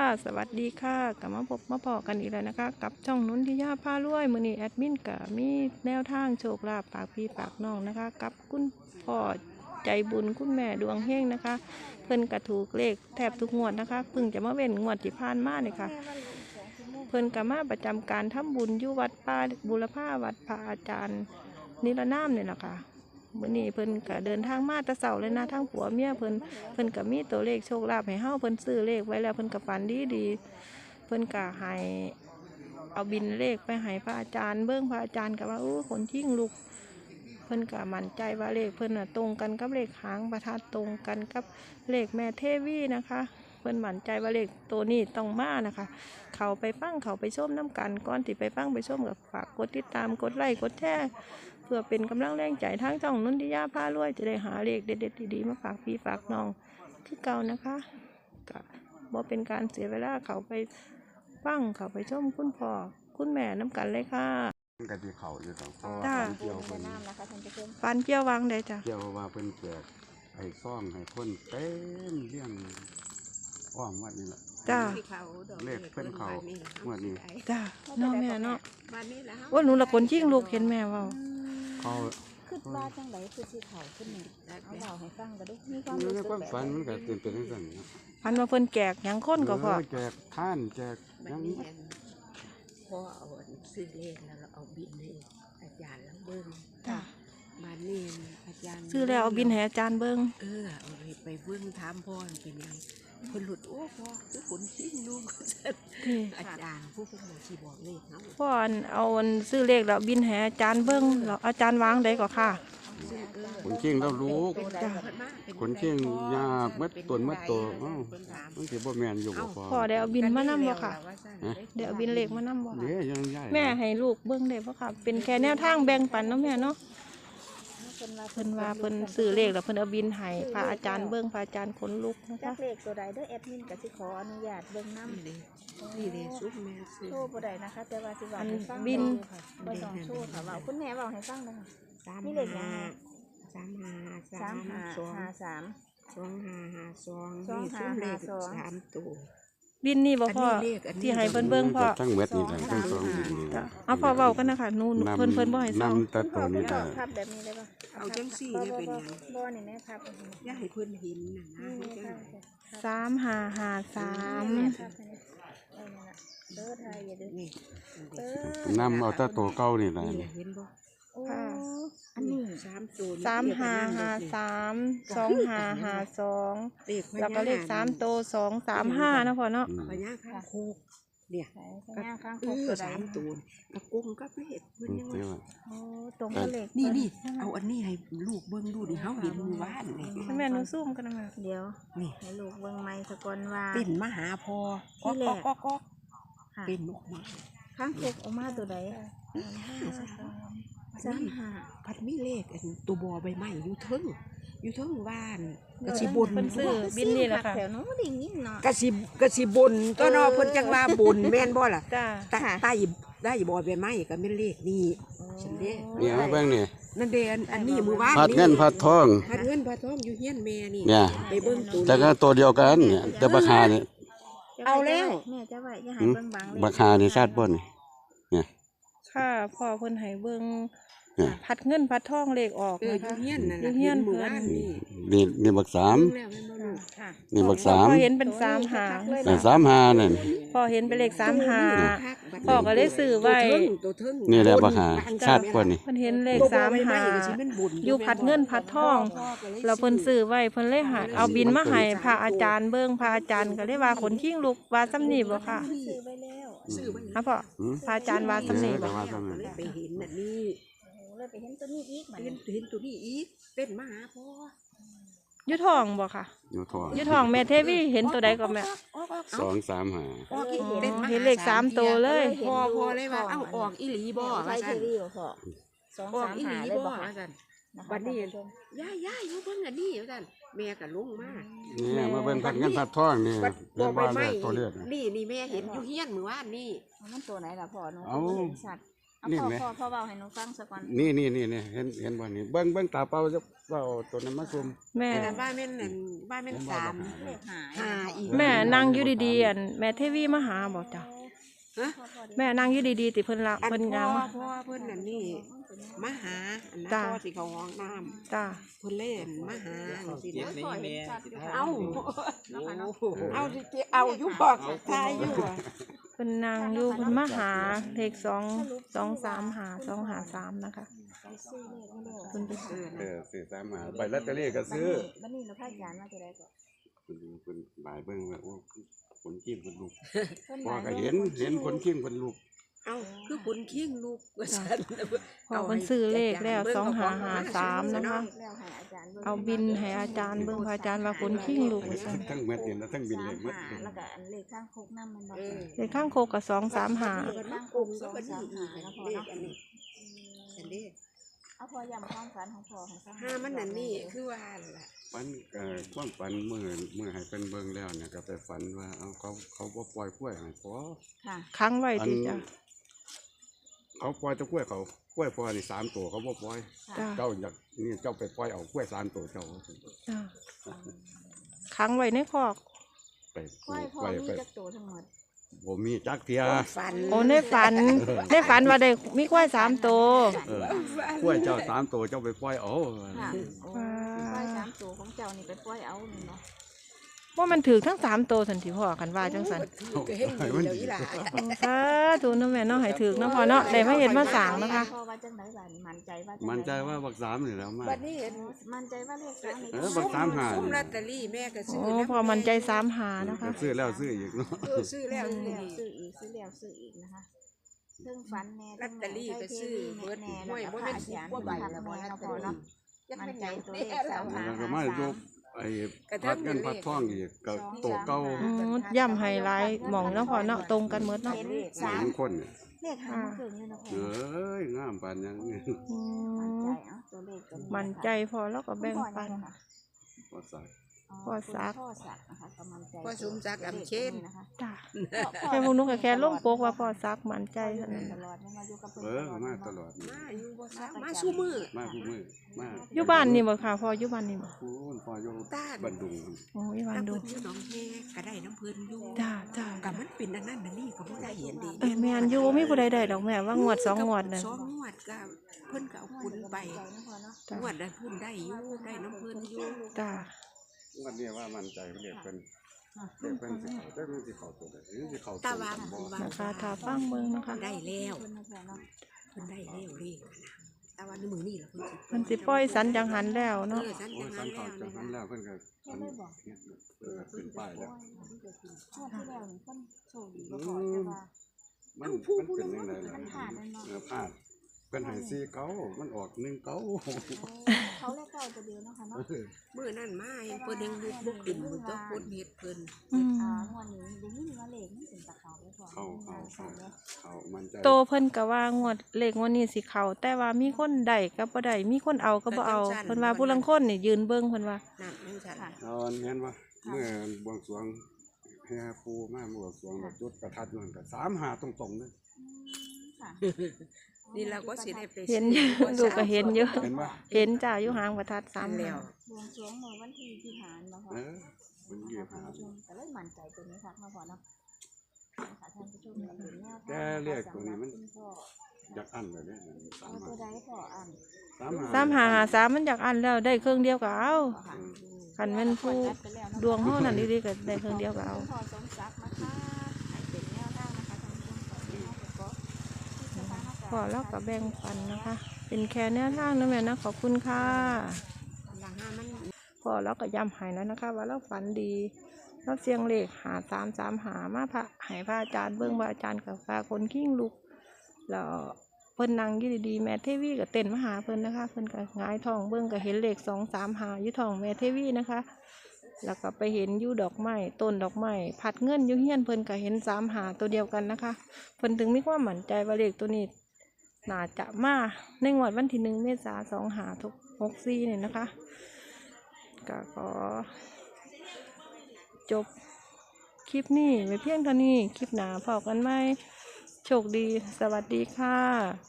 สวัสดีค่ะกลับมาพบมาพอกันอีกแล้วนะคะกับช่องนุนทิยาพารวยมื้อนี้แอดมินกับมีแนวทางโชคลาภปากพี่ปากน้องนะคะกับคุณพ่อใจบุญคุณแม่ดวงเฮงนะคะเพิ่นกระถูกเลขแทบทุกงวดนะคะเพิ่งจะมาเว้นงวดที่ผ่านมาเนี่ยค่ะเพิ่นกับมาประจำการทำบุญอยู่วัดป่าบุรพาวัดพระอาจารย์นิรนามเนี่ยแหละค่ะมื้อนี้เพิ่นก็เดินทางมาแต่เช้าเลยนะทั้งผัวเมียเพิ่นก็มีตัวเลขโชคลาภให้เฮาเพิ่นซื้อเลขไว้แล้วเพิ่นก็ฝันดีเพิ่นก็ให้เอาบินเลขไปให้พระอาจารย์เบิ่งพระอาจารย์ก็ว่าคนทิ้งลูกเพิ่นก็มั่นใจว่าเลขเพิ่นน่ะตรงกันกับเลขหางประทัดตรงกันกับเลขแม่เทวีนะคะเพิ่นมั่นใจว่าเลขตัวนี้ต้องมานะคะเขาไปฟังเขาไปชมน้ำกันก่อนที่ไปฟังไปชมกับฝากกดติดตามกดไลค์กดแชร์เพื่อเป็นกำลังแรงใจทางช่องนุนทิยาพารวยจะได้หาเลขเด็ดๆดีๆมาฝากพี่ฝากน้องที่เก่านะคะก็บ่เป็นการเสียเวลาเขาไปฟังเขาไปชมคุณพ่อคุณแม่น้ำกันเลยค่ะกะทิเขาอยู่สองข้อจ้าเกี่ยวเป็นฟันเกี่ยววางได้จ้ะเกี่ยวว่าเป็นแจกให้ซ่องให้คนเต็มเรื่องอ้อมวัดนี่แหละจ้าเลขเพิ่นเขางวดนี้จ้าเนาะแม่เนาะวันนี้แหละว่าหนูละคนยิ่งลูกเห็นแม่เว่าเขาคิดว่าจังไดคือสิเขาขึ้นหนึ่งเอาเล่าให้ฟังก็ดูมีความอยู่รู้ในสึกความแบบฝันมันก็เป็นจังซั่นนะพันมาเพิ่นแกกหยังคนก็พอแจกท่านแจกบัยัดงนี้พอเอาซื้อเลขแล้วเราเอาบินให้อาจารย์แล้วเบิ่งจ้าบัดนี้อาจารย์ซื้อแล้วเอาบินให้อาจารย์เบิ่งเอาไปเบิ่งถามพ่อเป็นยังเพิ่นหลุดโอ้พ่อคือขนชิงลูกนี่อาจารย์ผู้เพิ่นสิบอกเลขเฮาพ่อเอาซื้อเลขแล้วบินให้อาจารย์เบิ่งแล้วอาจารย์วางได้ก็ค่ะซื้อคนเชียงแล้วลูกเป็นใดเพิ่นมาเป็นคนเชียงยาเม็ดต้นเม็ดโตเอ้าเพิ่นถามมันสิบ่แม่นอยู่บ่พอพ่อได้เอาบินมานำบ่ค่ะได้เอาบินเลขมานำบ่เดี๋ยวยังย้ายแม่ให้ลูกเบิ่งได้บ่ค่ะเป็นแค่แนวทางแบ่งปันเนาะแม่เนาะเพิ่นว่าเพิ่นซื้อเลขแล้วเพิ่นเอาบินให้พระอาจารย์เบิ่งพระอาจารย์ขนลุกนะจัคะกเลขตัวใดเด้อแอดมินก็สิขออนุญาตเบิ่งน้ำนี่เลยซุปแม่ซื้อโชว์บ่ได้นะคะ แต่ว่าสิเว้าให้ฟังบ่ต้องโชว์ค่ะเว้าคุณแม่เว้าให้ฟังเลยค่ะ นี่เลขยังไง 3553 2552นี่ซุปเลข3ตัวบินนี่บ่พ่อที่ให้เพิ่นเบิ่งพ่อทั้งเม็ดนี่แหละทั้งสองดินนี่จ้ะเอาพ่อเว้ากันนะคะหนูเพิ่นบ่ให้เศร้านำแต่ตัวนี้พ่ได้อภาพแบบนี้ได้ป่ะเอาจังซี่เนี่ยเป็นหยังบ่นี่แม่ภาพแบบนี้อย่าให้เพิ่นเห็นน่ะนะนี่เฮ็ดแม่จังภาได๋พ 3553 ภาพนี้นั่นล่ะเด้อไทยอย่าเด้อนี่นำเอาแต่ตัวเก่านี่แหละนี่เห็นบ่โอ้อันนี้ 3ตัว 3553 เลข 2552แล้วก็เลข3โตว235นะพ่อเนาะพญาคางคกเนี่ยใส่สัญญาข้างคเอก อตัวใด 3ตัวกระกุ้งกับเลขเพิ่นยังเดี๋ยวว่าโอ้ตรงกับเลขนี่เอาอันนี้ให้ลูกเบิ่งดูดิเฮาเห็นมื้อวานนี่แม่หนูซูมกันนะแม่เดี๋ยวนี่ให้ลูกเบิ่งไม้สะกอนว่าเป็นมาหาพอที่แรกก็ค่ะเป็นออกมาข้างคกออกมาตัวใดพัดมีเลขอันตัวบอใบไม้อยู่เทิงบ้านกะสิบนเพิ่นซื้อบินนี่แหละค่ะแถวนู้นบ่ได้ยินเนาะกะสิบนตัวเนอเพิ่นจังว่าบนแม่นบ่ล่ะจ้าได้บอใบไม้ก็แม่นเลขนี่ฉันเด้เนี่ยมาเบิ่งนี่นั่นเด้อันนี้มื้อวานพัดเงินพัดทองพัดเงินพัดทองอยู่เฮียนแม่นี่เนี่ยไปเบิ่งตัวแต่ก็ตัวเดียวกันเนี่ยแต่ราคาเนี่ยเอาแล้วแม่จะไว้อย่าให้เบิ่งบางเลยราคานี่ชาติบ่นนี่ค่ะพ่อเพิ่นให้เบิ่งเนี่ยพัดเงินพัดทองเลขออกอยู่นะคะเฮียนนั่นอยู่น่ะเฮียนมื้อเพิ่วานนนี่นี่บักสามเบิ่งแล้วแม่นบ่ลูกค่ะนี่บักพ่สามอเห็นเป็น3หางแต่35นั่นพ่อเห็นเป็นเลข3หางพ่อก็เลยซื้อไว้ตัวเทิงนี่แหละบักหาชาติบ่นนี่เพิ่นเห็นเลข3หางอยู่พัดเงินพัดทองเราเพิ่นซื้อไว้เพิ่นเลยหาเอาบินมาให้พระอาจารย์เบิ่งพระอาจารย์ก็เลยว่าขนขิ้งลูกว่าซ้ำนี่บ่ค่ะซื้อไว้แล้วซื้อไว้ฮะพ่อพระอาจารย์ว่าซ้ำนี่บ่ว่าซ้ำนี่ไปเห็นน่ะนี่โอ้เลยไปเห็นตัวนี้อีกบัดเห็นี้นตัวนี้อีกเป็นมาหาพ่ออยู่ท้องบ่ค่ะอยู่ทองอยู่ท้องแม่เทวีเห็นตัวใดก็แม่ 235 ออกอีเป็นมาเห็นเลข3ตัวเลยพอเลยว่าเอ้าออกอีหลีบ่ไทว่ายเทซั่นวีบ่พอออกอีหลี 2-3-5เลยบ่บ่ค่ะว่าซั่นนะคะบัดนี้ท่านผู้ชมย่ายอยู่เบิ่งอันนี้ว่าซั่นแม่ก็ลงมานี่มาเบิ่งพัดเงินพัดทองนี่บัดเรีบ่ยกใบว่าไม้ตัวเลขนี่แม่เห็นอยู่เฮียนมื้อวานนี่เอามันตัวไหนล่ะพ่อหนูเอาบ่เห็นชัดเอานี่พ่อไหมพ่อเว้าให้หนูฟังซะก่อนนี่เห็นบ่นี่เบิ่งตาเปล่าจะว่าเอาตัวนั้นมาซุ่มแม่แต่บ้านแม่นนั่นบ้านแม่นสามเลขหายหาอีกแม่นั่งอยู่ดีๆอันแม่เทวีมาหาบอกจ้ะฮะแม่นั่งอยู่ดีๆติเพิ่นละอันเพิ่นพ่ยาองมาพ่อเพิ่นนั่นนี่มาหาอันนั้นจ้ะพ่อสิเขาห้องน้จ้าำเพิ่นเล่นมาหาจังซี่นะพ่อเห็นชัดอยู่ค่ะเอาเนาะค่ะเนาะเอาสิเจเอาอยู่บอกทายอยู่อะเพิ่นนั่งอยู่เพิ่นมาหาเลข223นะคะไปซื้อเลขมาแล้วเพิ่นไปซื้อซื้อตามหาใบลอตเตอรี่ก็ซื้อบัดนี้เราพาอาจารย์มาจะได้ก็คุณหลายเบิ่งว่าโอ้ขนกิ้งคนลูกเพิ่นพอหลายก็เห็นขนกิ้งคนลูกเอาคือขุนคิงลูกว่าซั่นพอเพิ่นซื้อเลขแล้ว2553นะคะเลขแล้วให้อาจารย์บิ่งเอาบินให้อาจารย์เบิ่งพระอาจารย์ว่าขนขิงลูกว่าซั่นทั้งเม็ดนี่แล้วทั้งบินเลยหมดหาแล้วก็อันเลขข้างโคกน้ำมันบ่เออเลขข้างโคกก็235 เปิดมาปุ่มแล้วก็นี่อีกเลขอันนี้อันนี้เอาพอยำความฝันของพ่อให้ฟังห้ามันนั่นนี่คือว่าล่ะฝันความฝันเมื่อให้เป็นเบิ่งแล้วเนี่ยก็ไปฝันว่าเอาเขาบ่ปล่อยกล้วยให้พอค่ะค้างไว้ติจ้ะเขาปล่อยแตะกล้วยเขากล้วยพอนี่3ตัวเขาบ่ปล่อยจ้าเจ้าอยากนี่เจ้าไปปล่อยเอากล้วย3ตัวเจ้าจ้าค้างไว้ในคอกไปควายพ่อไปมีไปจักตัวทั้งหมดบ่มีจักเทียฝันโอ้ในฝันในฝันว่าได้มีควาย3ตัวเออกล้วยเจ้า3ตัวเจ้าไปปล่อยเอาค่ะโอ้ควาย3ตัวของเจ้านี่ไปปล่อยเอานี่เนาะว่ามันถือทั้ง3ตัวสันติพ่อกันว่าจังสันก็เห็นดีแล้วอีหล่ะสาธุเนาะแม่เนาะให้ถือเนาะพ่อเนาะได้มาเฮ็ดมาสร้างนะคะพ่อว่าจังไดบ้านี่มั่นใจว่าจังใดมันใจว่าบัก3นี่แหล้วมาบัดนี้เห็นมั่นใจว่าเลข3นี่เออบักสามหาซุ่มลอตเตอรี่แม่ก็ซื้อโอ้พอมันใจ3-5นะคะซื้อแล้วซื้ออีกเนาะซื้อแล้วซื้อนี่แล้วซื้ออีกซื้อแล้วซื้ออีกนะคะซึ่งฝันแน่ลอตเตอรี่ก็ซื้อเบิดแน่ห้วยบ่บ่แม่แม่นนสิเสียบงกว่าใบใบละละบ่บ่เนาะลอตเตพ่ออรี่เนาะจักมั่เป็น นใจหยังตัวเลขแล้วก็มาอยู่ไอ้กระพัทั่ดงเงินพัดทองอีกก็โตเก่าย่ำไฮไลท์หม่องเนาะพ่อเนาะตรงกันหมดเนาะเห็นสามคนเนี่ยเลขหางมันเกิงเลยเนาะพ่อเอ้ยงามปานยังนี่อืมั่นมใจเอ้าตัวเลขตัวนี้มันใจพอแล้วก็แบ่งปันบ่สักพ่อสักพ่อสักนะคะก็มั่นใจพ่อสมศักดิ์อำเชนนะคะจ้าแค่พวกนุกแค่ลงโปกว่าพ่อซักมันใจเท่านั้นตลอดเนี่ยมาอยู่กับเพิ่นมาตลอดมาอยู่บ่ซักมาสู้มือมาผู้มือมาอยู่บ้านนี่บ่ค่ะพ่ออยู่บ้านนี่บ่คุณพ่ออยู่ต้านบันดุงโอ้ยบ้านถ้าดูเพิ่นอยู่หนองแฮก็ได้น้ำเพิ่นอยู่จ้าจ้าก็มันเป็นอันนั้นอันนี้ก็บ่ได้เห็นดีเอ้ยแม่นอยู่มีผู้ใดได้ดอกแม่ว่างวด2งวดน่ะสองงวดก็เพิ่นก็เอาคุณไปจ้างวดได้พุ่นได้อยู่ได้น้ำเพิ่นอยู่จ้าวันนี้ว่ามันใจเรียกเป็นเรียกเป็นสิเขาได้มันสิเขาตัวใดนี่สิเขาตัวตาว่าบ่เพิ่นว่านะคะถ้าฟังเบิ่งนะคะได้แล้วเพิ่นได้แล้วเลขนะแต่ว่าในมือนี่ล่ะเพิ่นเพิ่นสิปล่อยสันจังหันแล้วเนาะฉันโอ้จังสันั้น นเขาแล้วจะหันแล้วเพิ่นก็อันขึ้นป้ายแล้วช่วงที่แล้วนี่เพิ่นโชคดีบ่พอแต่ว่ามันเป็นยังไงล่ะพลาดเพิ่นให้4เก้ามันออก1เก้าเขาเลขเก้าตัวเดียวเนาะค่ะเนาะมื้อนั้นมาเห็นเพิ่นยังลุกลุกขึ้นเพิ่นต้องคนเฮ็ดเพิ่นอืมงวดนี้ได้ยินว่าเลขมันเป็นตะเขาเลยพอเขามันใจโตเพิ่นก็ว่างวดเลขงวดนี้สิเข้าแต่ว่ามีคนได้ก็บ่ได้มีคนเอาก็บ่เอาเพิ่นว่าผู้ลางคนนี่ยืนเบิ่งเพิ่นว่านั่นจังซั่นเอาแม่นว่าเมื่อบวงสรวงแห่ปูมาบวงสรวงแบบจุดประทัดนั่นก็35ตรงๆเลยค่ะนี่เราก็สิได้ไปเห็นอยู่ลูกก็เห็นอยู่เห็นบ่เห็นจ้าอยู่หางประทัดตาม 3 แล้แล้ว วบวงสรวงเมื่อวันที่ที่ผ่านมาพอมันเหยียบหาแต่เลยมั่นใจตัวนี้ค่ะมาพอเนาะค่ะท่านผู้ชมเนี่ยเป็นแนวทางแต่เรียกตัวนี้มันคุณพ่ออยากอั้นเลยเนี่ยเอาตัวใดพ่ออ่าน 3553มันอยากอันแล้วได้เครื่องเดียวก็เอาค่ะคันแม่นผู้ดวงเฮานั่นดีๆก็ได้เครื่องเดียวก็เอาพ่อสมศักดิ์นะคะให้เป็นแนวทางนะคะท่านผู้ชมขอให้เราก็พอแล้วก็แบ่งปันนะคะ เป็นแค่แนวทางนะแม่นะขอบคุณค่ะหลังห้ามันพอแล้วก็ย้ำให้แล้วนะคะ ว่าเราฝันดีเราเสียงเลข5335มาพระให้พระอาจารย์เบิ่งว่าอาจารย์กับพาคนขิ้งลุกแล้วเพิ่นนั่งอยู่ดีๆแม่เทวีก็เต้นมาหาเพิ่นนะคะเพิ่นก็หงายท้องเบิ่งก็เห็นเลข235อยู่ท้องแม่เทวีนะคะ แล้วก็ไปเห็นอยู่ดอกไม้ต้นดอกไม้ผัดเงินอยู่เฮียนเพิ่นก็เห็น35ตัวเดียวกันนะคะเพิ่นถึงมีความมั่นใจว่าเลขตัวนี้น่าจะมาในงวดวันที่1 เมษายน2564นี่นะคะก็ขอจบคลิปนี้ไว้เพียงเท่านี้คลิปหน้าพบกันไหมโชคดีสวัสดีค่ะ